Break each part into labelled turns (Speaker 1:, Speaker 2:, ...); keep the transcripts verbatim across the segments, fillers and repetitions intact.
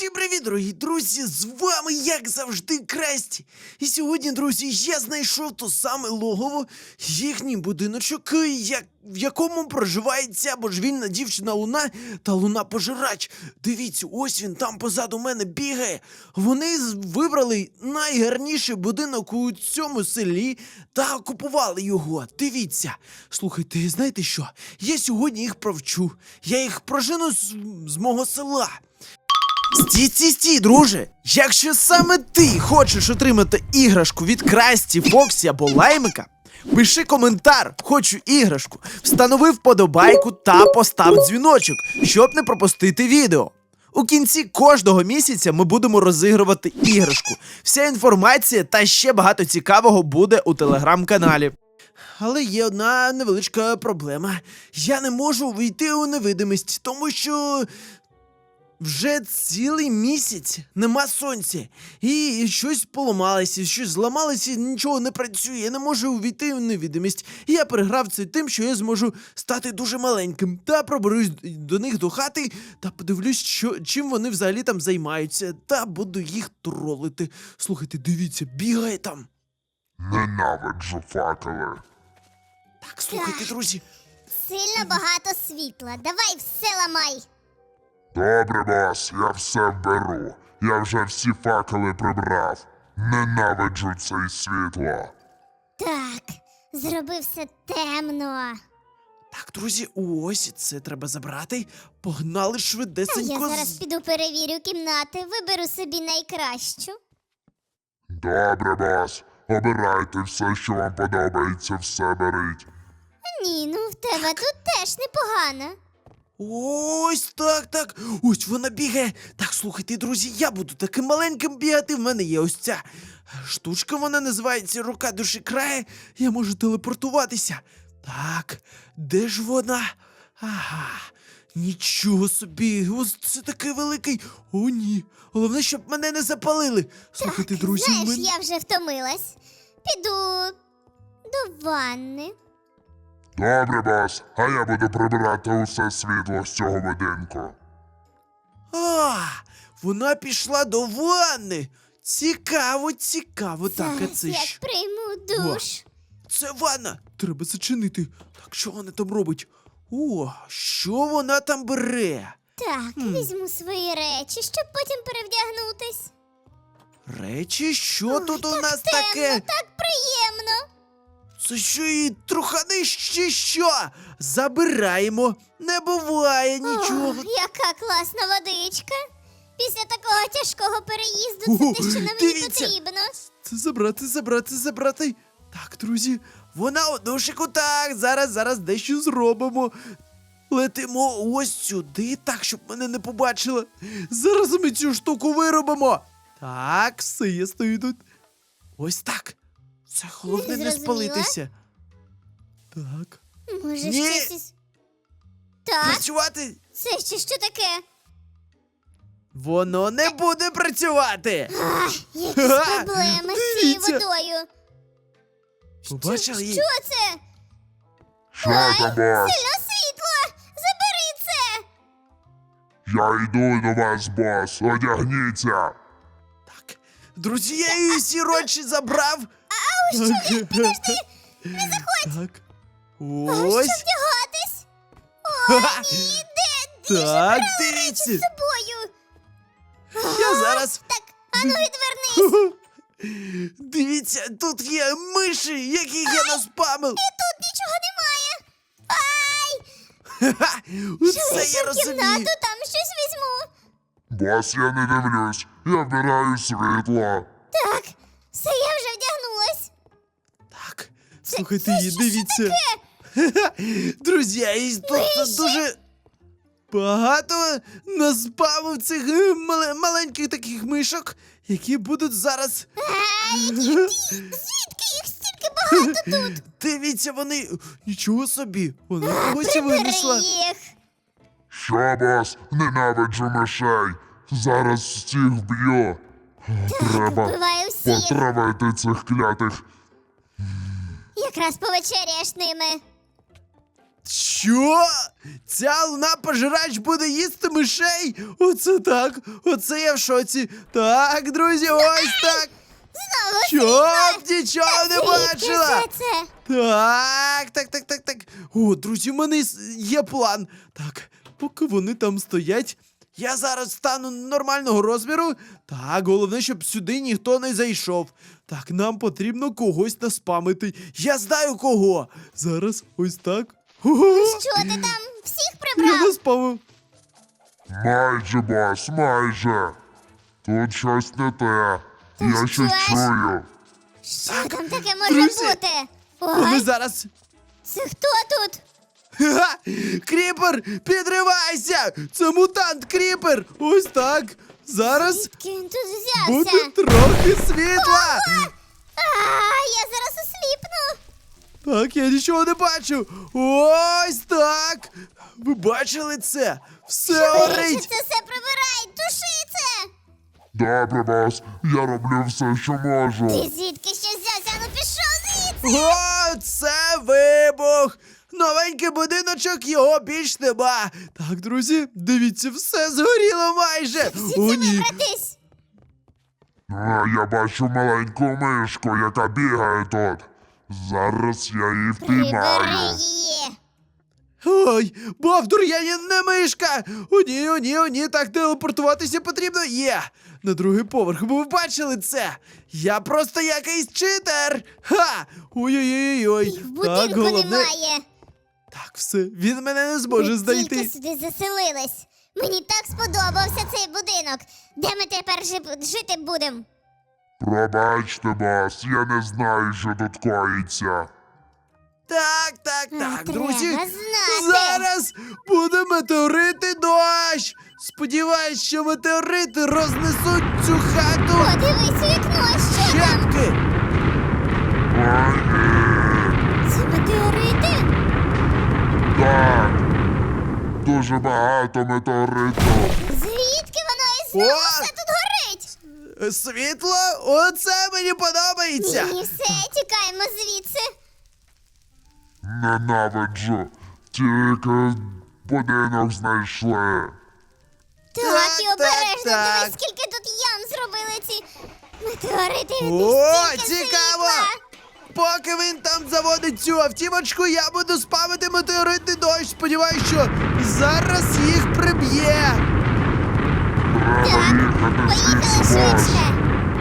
Speaker 1: Всім привіт, дорогі друзі! З вами, як завжди, Красті. І сьогодні, друзі, я знайшов то саме логово, їхній будиночок, як, в якому проживає ця божевільна дівчина Луна та Луна-пожирач. Дивіться, ось він там позаду мене бігає. Вони з- вибрали найгарніший будинок у цьому селі та окупували його. Дивіться. Слухайте, знаєте що? Я сьогодні їх провчу. Я їх прожену з, з мого села. Стій, стій, стій, друже! Якщо саме ти хочеш отримати іграшку від Красті, Фоксі або Лаймика, пиши коментар «Хочу іграшку», встанови вподобайку та постав дзвіночок, щоб не пропустити відео. У кінці кожного місяця ми будемо розігрувати іграшку. Вся інформація та ще багато цікавого буде у телеграм-каналі. Але є одна невеличка проблема. Я не можу вийти у невидимість, тому що вже цілий місяць нема сонця. І щось поламалося, щось зламалося, нічого не працює. Я не можу увійти в невидимість. І я переграв це тим, що я зможу стати дуже маленьким. Та проберусь до них до хати та подивлюсь, що, чим вони взагалі там займаються. Та буду їх тролити. Слухайте, дивіться, бігає там.
Speaker 2: Ненавиджу факели.
Speaker 1: Так, слухайте, друзі.
Speaker 3: Сильно багато світла. Давай все ламай.
Speaker 2: Добре, бос, я все вберу. Я вже всі факели прибрав. Ненавиджу це світло.
Speaker 3: Так, зроби все темно.
Speaker 1: Так, друзі, ось це треба забрати. Погнали
Speaker 3: А
Speaker 1: швидесенько.
Speaker 3: я
Speaker 1: з-
Speaker 3: зараз піду перевірю кімнати, виберу собі найкращу.
Speaker 2: Добре, бос. Обирайте все, що вам подобається, все беріть.
Speaker 3: Ні, ну в тебе тут теж непогано.
Speaker 1: Ось так, так. Ось вона бігає. Так, слухайте, друзі, я буду таким маленьким бігати. В мене є ось ця штучка, вона називається рука душі крає. Я можу телепортуватися. Так, де ж вона? Ага. Нічого собі, ось це такий великий. О, ні. Головне, щоб мене не запалили. Слухайте, друзі,
Speaker 3: Знаєш,
Speaker 1: мен-
Speaker 3: я вже втомилась. Піду до ванни.
Speaker 2: Добре, бос, а я буду прибирати усе світло з цього будинку.
Speaker 1: А, вона пішла до ванни. Цікаво, цікаво. Так, а
Speaker 3: Зараз
Speaker 1: це
Speaker 3: як
Speaker 1: що?
Speaker 3: прийму душ.
Speaker 1: Це ванна! Треба зачинити. Так, що вона там робить? О, що вона там бере?
Speaker 3: Так, візьму свої речі, щоб потім перевдягнутись.
Speaker 1: Речі, що тут у
Speaker 3: так
Speaker 1: нас
Speaker 3: темно,
Speaker 1: таке?
Speaker 3: так приємно.
Speaker 1: Це що її трухани чи що? Забираємо. Не буває нічого.
Speaker 3: Ох, яка класна водичка. Після такого тяжкого переїзду
Speaker 1: Ого,
Speaker 3: це те, що нам
Speaker 1: дивіться.
Speaker 3: не потрібно.
Speaker 1: Це забрати, забрати, забрати. Так, друзі, вона у душику, так, зараз, зараз дещо зробимо. Летимо ось сюди, так, щоб мене не побачила. Зараз ми цю штуку виробимо. Так, все, я стою тут. Ось так. Це головне
Speaker 3: Не
Speaker 1: не
Speaker 3: зрозуміла.
Speaker 1: спалитися. Так.
Speaker 3: Може,
Speaker 1: Ні.
Speaker 3: щось із... Так,
Speaker 1: Працювати
Speaker 3: це ще що таке?
Speaker 1: воно не буде працювати.
Speaker 3: Ах, якісь
Speaker 1: Ха,
Speaker 3: проблеми з цією
Speaker 1: дивіться.
Speaker 3: водою.
Speaker 1: Побачили її?
Speaker 3: Що це?
Speaker 2: Що там, бос?
Speaker 3: Сильно світло! Забери це!
Speaker 2: Я йду до вас, бос, одягніться.
Speaker 1: Так. Друзі, я її всі речі забрав. А ось що, підожди,
Speaker 3: Не заходь!
Speaker 1: Так.
Speaker 3: А
Speaker 1: Ось.
Speaker 3: що вдягатись?
Speaker 1: Ха-ха.
Speaker 3: Ні, де?
Speaker 1: Так,
Speaker 3: Речі
Speaker 1: дивіться.
Speaker 3: з собою.
Speaker 1: Я зараз.
Speaker 3: Так, ану відвернись.
Speaker 1: Дивіться, тут є миші, яких я наспамив.
Speaker 3: Тут нічого немає. Ай!
Speaker 1: Ха-ха. Оце я
Speaker 3: Залишив
Speaker 1: розумію.
Speaker 3: кімнату, там щось візьму.
Speaker 2: Бос, я не дивлюсь, я вбираю світло.
Speaker 3: Так, все, я вже вдягнулась.
Speaker 1: Так, слухайте
Speaker 3: це
Speaker 1: її,
Speaker 3: що-
Speaker 1: дивіться. Ха-ха. Друзі, і тут
Speaker 3: Миші?
Speaker 1: дуже багато наспамив цих е, мале- маленьких таких мишок, які будуть зараз.
Speaker 3: Ай, які- звідки їх стільки багато тут?
Speaker 1: Дивіться, вони. Нічого собі. Вона когось
Speaker 3: Прибери
Speaker 1: винесла.
Speaker 3: їх.
Speaker 2: Що, бос, ненавиджу мишей. Зараз всіх вб'ю. Треба
Speaker 3: Вбиваю всіх.
Speaker 2: потравити цих клятих.
Speaker 3: Якраз повечеряєш ними.
Speaker 1: Що? Ця луна-пожирач буде їсти мишей? Оце так, оце я в шоці. Так, друзі, ось так.
Speaker 3: Знову
Speaker 1: Щоб нічого не
Speaker 3: Звідки
Speaker 1: бачила.
Speaker 3: все це?
Speaker 1: Так, так, так, так, так. О, друзі, в мене с- є план. Так, поки вони там стоять, я зараз стану нормального розміру. Так, головне, щоб сюди ніхто не зайшов. Так, нам потрібно когось наспамити. Я знаю кого. Зараз ось так. Ого!
Speaker 3: Що ти там всіх
Speaker 1: Я
Speaker 3: прибрав?
Speaker 1: наспамив.
Speaker 2: Майже, бос, майже. Тут щось не те. Я щось
Speaker 3: що ж?
Speaker 2: чую.
Speaker 3: Що там таке може
Speaker 1: друзі,
Speaker 3: бути?
Speaker 1: Вони
Speaker 3: Ой,
Speaker 1: зараз.
Speaker 3: це хто тут?
Speaker 1: Ха! Кріпер, підривайся! Це мутант Кріпер! Ось так. Зараз
Speaker 3: Звідки він тут взявся?
Speaker 1: буде трохи світла.
Speaker 3: А, я зараз осліпну.
Speaker 1: Так, я нічого не бачу. Ось так. Ви бачили це? Все
Speaker 3: Швидше
Speaker 1: горить.
Speaker 3: це все прибирай, туши це.
Speaker 2: Добре, бос, я роблю все, що можу.
Speaker 3: Ти звідки ще взявся? Ну пішов звідси.
Speaker 1: О, це вибух! Новенький будиночок, його більш нема. Так, друзі, дивіться, все згоріло майже.
Speaker 3: Всі
Speaker 1: О,
Speaker 3: це
Speaker 1: ні.
Speaker 3: вибратись.
Speaker 2: А, я бачу маленьку мишку, яка бігає тут. Зараз я її
Speaker 3: Прибери
Speaker 2: впіймаю.
Speaker 3: її.
Speaker 1: Ой, Бовдур, я не, не мишка! О, ні, о, ні, о, ні, так телепортуватися потрібно. Є! На другий поверх, бо ви бачили це! Я просто якийсь читер! Ха! Ой-ой-ой-ой!
Speaker 3: Їх в будинку немає.
Speaker 1: Так, все, він мене не зможе
Speaker 3: Ми
Speaker 1: знайти.
Speaker 3: тільки сюди заселились. Мені так сподобався цей будинок. Де ми тепер жи- жити будемо?
Speaker 2: Пробачте, бос, я не знаю, що тут коїться.
Speaker 1: Так, так,
Speaker 3: А,
Speaker 1: так,
Speaker 3: треба
Speaker 1: друзі.
Speaker 3: знати.
Speaker 1: Зараз буде метеорити дощ. Сподіваюсь, що метеорити рознесуть цю хату.
Speaker 3: Подивись у вікно, що там?
Speaker 1: Щепки.
Speaker 2: Ой, ні.
Speaker 3: Це метеорити?
Speaker 2: Так. Дуже багато метеориту.
Speaker 3: Звідки воно і знову
Speaker 1: О!
Speaker 3: все тут горить?
Speaker 1: Світло? Оце мені подобається.
Speaker 3: Ні, все, тікаємо звідси.
Speaker 2: Ненавиджу. Тільки будинок знайшли.
Speaker 3: Так,
Speaker 1: Так,
Speaker 3: і обережно,
Speaker 1: так,
Speaker 3: дивись,
Speaker 1: так.
Speaker 3: скільки тут ям зробили ці метеорити.
Speaker 1: О,
Speaker 3: Стільки
Speaker 1: цікаво!
Speaker 3: світла.
Speaker 1: Поки він там заводить цю автівочку, я буду спамити метеоритний дощ. Сподіваюсь, що зараз їх приб'є.
Speaker 2: Треба
Speaker 3: Так,
Speaker 2: їхати
Speaker 3: поїхали
Speaker 2: звідси, бос.
Speaker 3: швидше.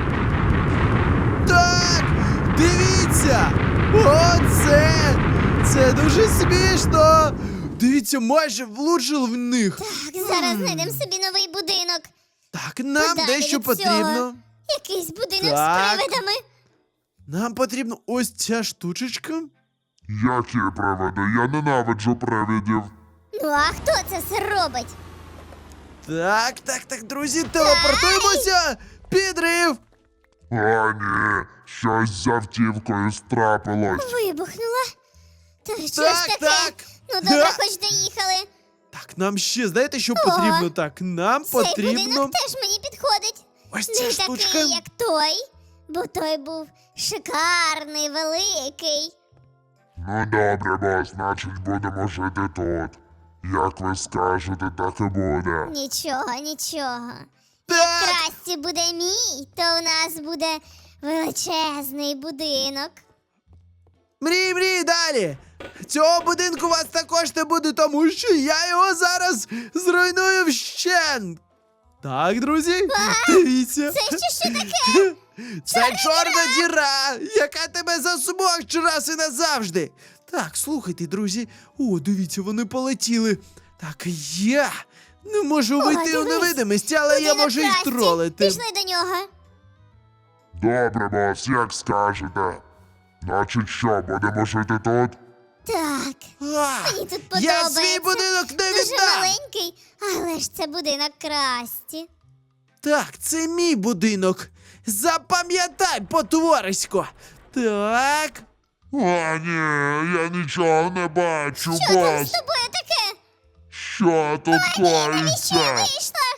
Speaker 1: Так, дивіться! Оце! Це дуже смішно! Дивіться, майже влучив в них.
Speaker 3: Так, зараз знайдемо собі новий будинок.
Speaker 1: Так, нам
Speaker 3: Подалі
Speaker 1: дещо
Speaker 3: від цього.
Speaker 1: потрібно.
Speaker 3: Якийсь будинок
Speaker 1: Так.
Speaker 3: з привидами.
Speaker 1: Нам потрібно ось ця штучечка.
Speaker 2: Які привиди? Я ненавиджу привидів.
Speaker 3: Ну а хто це все робить?
Speaker 1: Так, так, так, друзі, телепортуємося! Підрив!
Speaker 2: О, ні, щось з автівкою страпилось.
Speaker 3: Вибухнула. Та що ж
Speaker 1: Так,
Speaker 3: таке?
Speaker 1: так.
Speaker 3: Ну добре,
Speaker 1: Га.
Speaker 3: хоч доїхали.
Speaker 1: Так, нам ще, знаєте, що потрібно? Так, нам
Speaker 3: Цей
Speaker 1: потрібно.
Speaker 3: будинок теж мені підходить.
Speaker 1: Ось ця
Speaker 3: Не
Speaker 1: штучка.
Speaker 3: такий, як той, бо той був шикарний, великий.
Speaker 2: Ну добре, бос, значить будемо жити тут. Як ви скажете, так і буде.
Speaker 3: Нічого, нічого.
Speaker 1: Так,
Speaker 3: Красті буде мій, то у нас буде величезний будинок.
Speaker 1: мрій, мрій далі. Цього будинку у вас також не буде, тому що я його зараз зруйную вщент. Так, друзі, дивіться.
Speaker 3: Це ще що таке?
Speaker 1: Це чорна діра, яка тебе засмокче раз і назавжди. Так, слухайте, друзі. О, дивіться, вони полетіли. Так, я не можу
Speaker 3: О,
Speaker 1: вийти у
Speaker 3: дивись,
Speaker 1: невидимість, але я
Speaker 3: Будинок
Speaker 1: можу їх
Speaker 3: Красті.
Speaker 1: тролити.
Speaker 3: Пішли до нього.
Speaker 2: Добре, бос, як скажете. Значить що, будемо жити тут?
Speaker 3: Так,
Speaker 1: А,
Speaker 3: мені тут
Speaker 1: я
Speaker 3: подобається.
Speaker 1: свій будинок не
Speaker 3: Дуже
Speaker 1: віддам.
Speaker 3: маленький, але ж це будинок Красті.
Speaker 1: Так, це мій будинок. Запам'ятай, потворисько. Так.
Speaker 2: О, ні, я нічого не бачу,
Speaker 3: Що там з
Speaker 2: бос.
Speaker 3: тобою таке?
Speaker 2: Що тут
Speaker 3: Навіщо
Speaker 2: коїться?
Speaker 3: вийшла?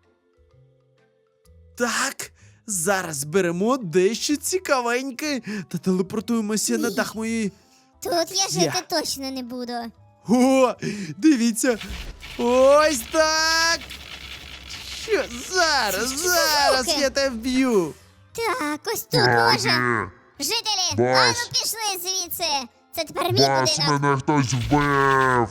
Speaker 1: Так, зараз беремо дещо цікавеньке та телепортуємося на
Speaker 3: Ні.
Speaker 1: дах моєї.
Speaker 3: Тут я жити
Speaker 1: Я.
Speaker 3: точно не буду.
Speaker 1: О, дивіться. Ось так. Що? Зараз,
Speaker 3: Що за
Speaker 1: зараз
Speaker 3: звуки?
Speaker 1: я тебе вб'ю.
Speaker 3: Так, ось тут може.
Speaker 2: Справді.
Speaker 3: Жителі,
Speaker 2: Бас.
Speaker 3: ану пішли звідси. Це тепер мій
Speaker 2: Бас,
Speaker 3: будинок.
Speaker 2: мене хтось вбив.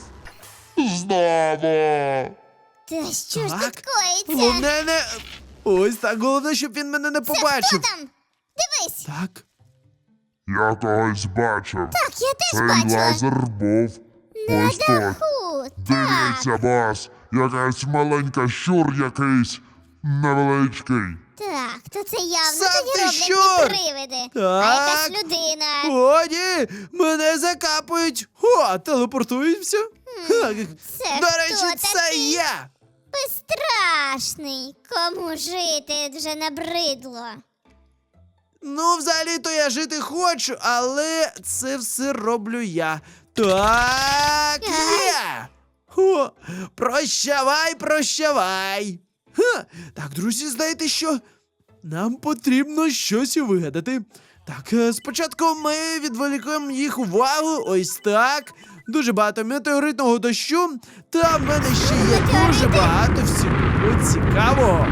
Speaker 2: Знову.
Speaker 3: Та що ж
Speaker 1: Так.
Speaker 3: тут коїться?
Speaker 1: Головне не... Ось так, головне, щоб він мене не
Speaker 3: Це хто
Speaker 1: побачив.
Speaker 3: там? Дивись.
Speaker 1: Так.
Speaker 2: Я когось бачив.
Speaker 3: Так, я теж
Speaker 2: Цей
Speaker 3: бачила.
Speaker 2: лазер був
Speaker 3: На
Speaker 2: ось тут.
Speaker 3: даху. Так.
Speaker 2: Дивіться, бас, якась маленька щур якийсь невеличкий.
Speaker 3: Так, то це явно
Speaker 1: Сам
Speaker 3: тоді
Speaker 1: ти
Speaker 3: роблять
Speaker 1: що?
Speaker 3: не привиди, а
Speaker 1: Так.
Speaker 3: якась людина.
Speaker 1: О, ні, мене закапують. О, телепортуються. Ха,
Speaker 3: це
Speaker 1: До
Speaker 3: хто
Speaker 1: речі, це
Speaker 3: такий?
Speaker 1: я.
Speaker 3: Безстрашний. Кому жити вже набридло.
Speaker 1: Ну, взагалі-то я жити хочу, але це все роблю я. Так, є. О, прощавай, прощавай. Ха. Так, друзі, знаєте що? Нам потрібно щось вигадати. Так, е, спочатку ми відволікаємо їх увагу, ось так. Дуже багато метеоритного дощу. Та в мене ще є дуже багато всього цікавого.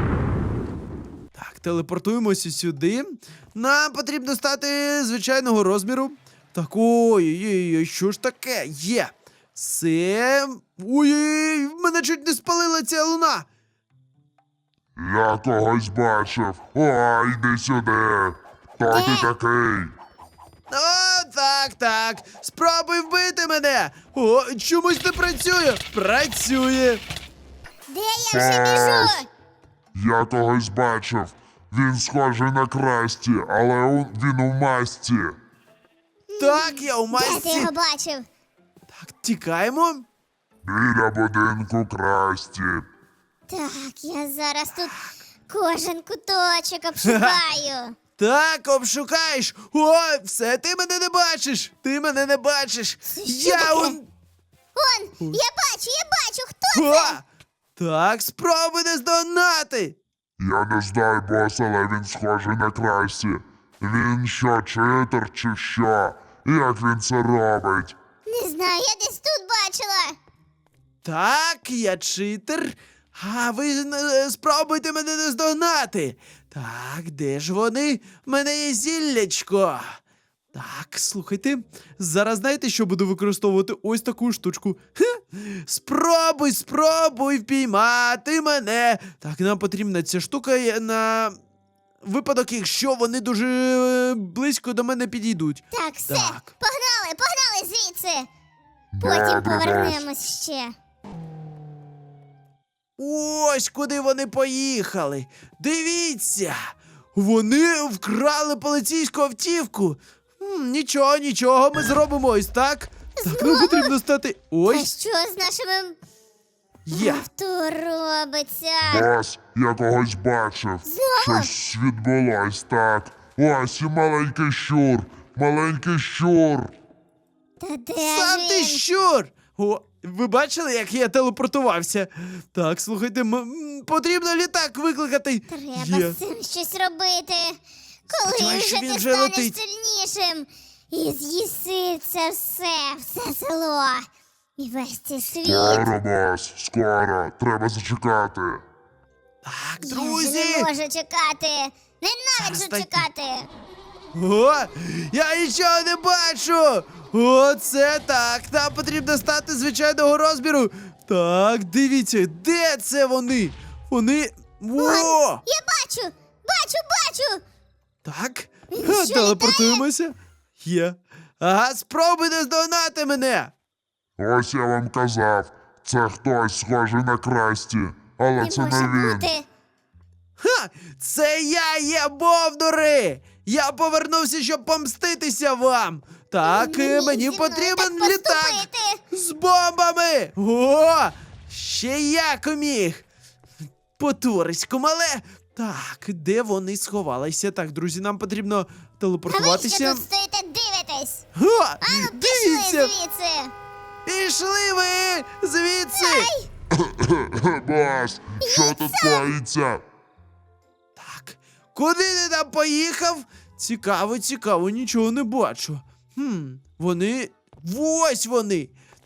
Speaker 1: Так, телепортуємося сюди. Нам потрібно стати звичайного розміру. Так, ой-ой-ой, що ж таке? Є. Це. Ой-ой-ой, мене чуть не спалила ця луна.
Speaker 2: Я когось бачив. О, йди сюди. Хто ти
Speaker 3: Де?
Speaker 2: такий?
Speaker 1: О, так, так. Спробуй вбити мене. О, чомусь не працює. Працює.
Speaker 3: Де я вже біжу?
Speaker 2: Я когось бачив. Він схожий на Красті, але у- він у масці.
Speaker 1: Так, я у
Speaker 3: Де ти
Speaker 1: масці.
Speaker 3: його бачив?
Speaker 1: Так, тікаємо.
Speaker 2: Біля будинку Красті.
Speaker 3: Так, я зараз тут кожен куточок обшукаю.
Speaker 1: Так, обшукаєш. О, все, ти мене не бачиш. Ти мене не бачиш.
Speaker 3: Це що
Speaker 1: Я
Speaker 3: таке?
Speaker 1: он.
Speaker 3: Он, я бачу, я бачу, хто
Speaker 1: О!
Speaker 3: це?
Speaker 1: Так, спробуй не здогнати.
Speaker 2: Я не знаю, бос, але він схожий на Красті. Він що, читер чи що? Як він це робить?
Speaker 3: Не знаю, я десь тут бачила.
Speaker 1: Так, я читер. А ви е, спробуйте мене не здогнати. Так, де ж вони? В мене є зіллячко. Так, слухайте. Зараз знаєте, що буду використовувати ось таку штучку. Хе. Спробуй, спробуй впіймати мене. Так, нам потрібна ця штука е, на випадок, якщо вони дуже е, близько до мене підійдуть.
Speaker 3: Так, все,
Speaker 1: Так.
Speaker 3: погнали, погнали звідси. Потім
Speaker 2: Добре, бос.
Speaker 3: повернемось ще.
Speaker 1: Ось куди вони поїхали. Дивіться, вони вкрали поліцейську автівку. М, нічого, нічого, ми зробимо ось так. Так, нам потрібно стати.
Speaker 3: А
Speaker 1: Ось
Speaker 3: що з нашими
Speaker 1: є.
Speaker 3: авто робиться?
Speaker 2: Бос, я когось бачив.
Speaker 3: Знову?
Speaker 2: Щось відбулось так. Ось і маленький щур. Маленький щур.
Speaker 3: Та де
Speaker 1: Сам
Speaker 3: ж
Speaker 1: ти
Speaker 3: він?
Speaker 1: щур! О, ви бачили, як я телепортувався? Так, слухайте, м- м, потрібно літак викликати.
Speaker 3: Треба
Speaker 1: Є.
Speaker 3: з цим щось робити. Коли
Speaker 1: Сподіваюсь,
Speaker 3: вже
Speaker 1: що він
Speaker 3: ти
Speaker 1: вже
Speaker 3: станеш
Speaker 1: летить.
Speaker 3: сильнішим і з'їси це все, все село і весь цей світ.
Speaker 2: Скоро, бос, скоро. Треба зачекати.
Speaker 1: Так,
Speaker 3: Я вже
Speaker 1: друзі!
Speaker 3: не можу чекати. Ненавиджу
Speaker 1: Зараз так-
Speaker 3: чекати.
Speaker 1: О, я нічого не бачу! О, це так. Нам потрібно стати звичайного розміру. Так, дивіться, де це вони? Вони. О!
Speaker 3: Я бачу, бачу, бачу.
Speaker 1: Так.
Speaker 3: Він
Speaker 1: Ха,
Speaker 3: що,
Speaker 1: телепортуємося. Є. Ага, спробуй не здогнати мене.
Speaker 2: Ось я вам казав. Це хтось схожий на Красті. Але
Speaker 3: Не
Speaker 2: це
Speaker 3: може
Speaker 2: не він.
Speaker 3: бути.
Speaker 1: Ха! Це я є бовдури! Я повернувся, щоб помститися вам. Так,
Speaker 3: Не
Speaker 1: е,
Speaker 3: міг
Speaker 1: мені
Speaker 3: зі мною
Speaker 1: потрібен
Speaker 3: так
Speaker 1: літак
Speaker 3: поступити.
Speaker 1: з бомбами. О! Ще як міг. Потурисько мале. Так, де вони сховалися? Так, друзі, нам потрібно
Speaker 3: А ви що
Speaker 1: телепортуватися.
Speaker 3: тут стоїте, дивитесь?
Speaker 1: О,
Speaker 3: Ану, пішли
Speaker 1: дивіться!
Speaker 3: звідси.
Speaker 1: Пішли ви звідси!
Speaker 2: Бос, що тут коїться?
Speaker 1: Так, куди ти там поїхав? Цікаво, цікаво, нічого не бачу. Хм, вони. Ось вони.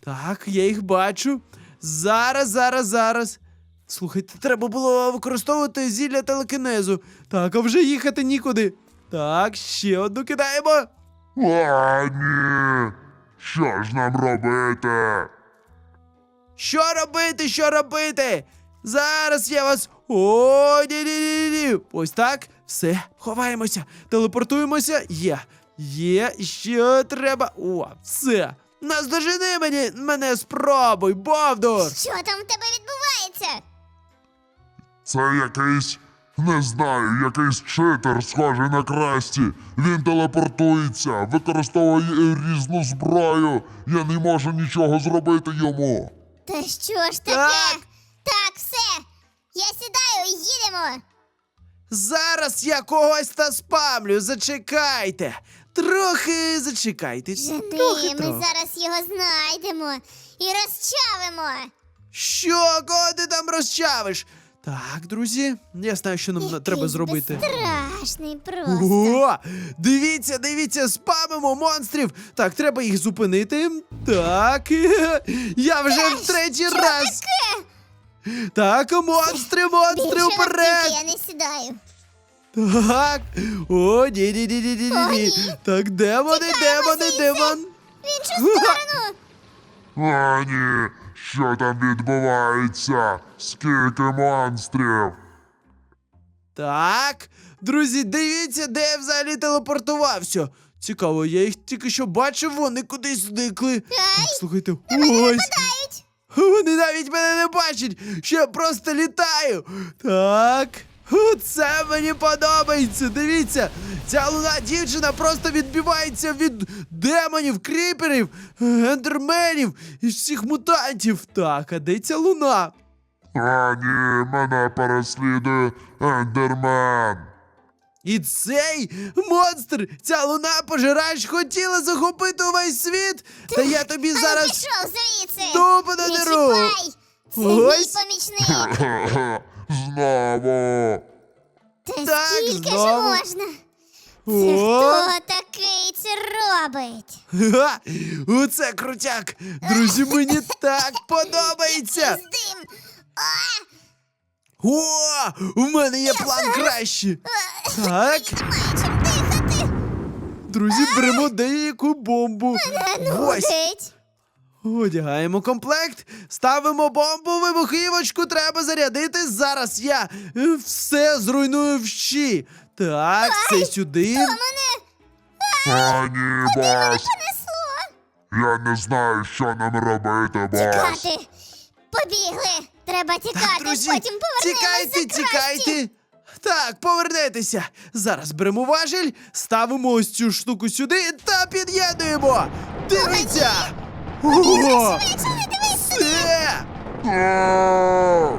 Speaker 1: Так, я їх бачу. Зараз, зараз, зараз. Слухайте, треба було використовувати зілля телекінезу. Так, а вже їхати нікуди. Так, ще одну кидаємо.
Speaker 2: А, ні. Що ж нам робити?
Speaker 1: Що робити, що робити? Зараз я вас. О, ні-ні-ні-ні. Ось так. Все, ховаємося, телепортуємося. Є. Є, що треба. О, все. Наздожени мені, мене спробуй, Бовдур.
Speaker 3: Що там в тебе відбувається?
Speaker 2: Це якийсь, не знаю, якийсь читер, схожий на Красті. Він телепортується, використовує різну зброю. Я не можу нічого зробити йому.
Speaker 3: Та що ж таке?
Speaker 1: Так.
Speaker 3: Так, все. Я сідаю і їдемо.
Speaker 1: Зараз я когось та спамлю, зачекайте. Трохи зачекайте.
Speaker 3: Жени,
Speaker 1: Трохи,
Speaker 3: ми
Speaker 1: трохи.
Speaker 3: зараз його знайдемо і розчавимо.
Speaker 1: Що, кого ти там розчавиш? Так, друзі, я знаю, що нам
Speaker 3: Який
Speaker 1: треба зробити.
Speaker 3: Безстрашний просто.
Speaker 1: О, дивіться, дивіться, спамимо монстрів. Так, треба їх зупинити. Так, я вже в третій
Speaker 3: що
Speaker 1: раз. Так, монстри, монстри,
Speaker 3: Більше на
Speaker 1: вперед.
Speaker 3: стільки я не сідаю.
Speaker 1: Так. О, ні, ні, ні, ні, ні,
Speaker 3: О,
Speaker 1: ні.
Speaker 3: ні.
Speaker 1: Так, демони,
Speaker 3: Тікаємо
Speaker 1: демони,
Speaker 3: звідси.
Speaker 1: демон.
Speaker 3: В іншу сторону.
Speaker 2: А, ні. Що там відбувається? Скільки монстрів?
Speaker 1: Так, друзі, дивіться, де я взагалі телепортувався. Цікаво, я їх тільки що бачив, вони кудись зникли. Так, слухайте, ось.
Speaker 3: Дають.
Speaker 1: Вони навіть мене не бачать, що я просто літаю. Так. Це мені подобається. Дивіться, ця луна дівчина просто відбивається від демонів, кріперів, ендерменів і всіх мутантів. Так, а де ця луна?
Speaker 2: А, ні, мене переслідує Ендермен.
Speaker 1: І цей монстр, ця луна пожирач, хотіла захопити увесь світ. Та я тобі
Speaker 3: А ну
Speaker 1: зараз
Speaker 3: пішов звідси.
Speaker 1: дупу
Speaker 3: Не
Speaker 1: надеру.
Speaker 3: чіпай. Це
Speaker 1: Ось.
Speaker 3: мій помічник.
Speaker 2: Знову.
Speaker 3: Та
Speaker 1: Так,
Speaker 3: скільки ж
Speaker 1: знову.
Speaker 3: можна? Це
Speaker 1: О.
Speaker 3: хто такий це робить?
Speaker 1: Ха, оце крутяк. Друзі, мені так подобається.
Speaker 3: З дим.
Speaker 1: О, у мене є план краще. Так,
Speaker 3: Немає чим дихати.
Speaker 1: друзі, беремо деяку бомбу. Ось.
Speaker 3: Нудить.
Speaker 1: Одягаємо комплект, ставимо бомбу, вибухівочку треба зарядити. Зараз я е, все зруйную вщі. Так, це сюди.
Speaker 3: Мене
Speaker 2: А, ні, бос.
Speaker 3: понесло.
Speaker 2: Я не знаю, що нам робити, бос.
Speaker 3: Тікати. Побігли. Треба тікати,
Speaker 1: Так, друзі,
Speaker 3: потім повернемося.
Speaker 1: тікайте, тікайте. Так, повернетеся. Зараз беремо важіль, ставимо ось цю штуку сюди та під'єднуємо. Дивіться! Ого! Все!
Speaker 2: А!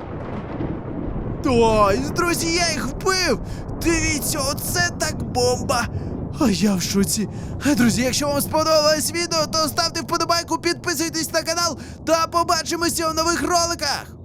Speaker 1: Ой, друзі, я їх вбив! Дивіться, оце так бомба! А я в шоці. А, друзі, якщо вам сподобалось відео, то ставте вподобайку, підписуйтесь на канал та побачимося в нових роликах!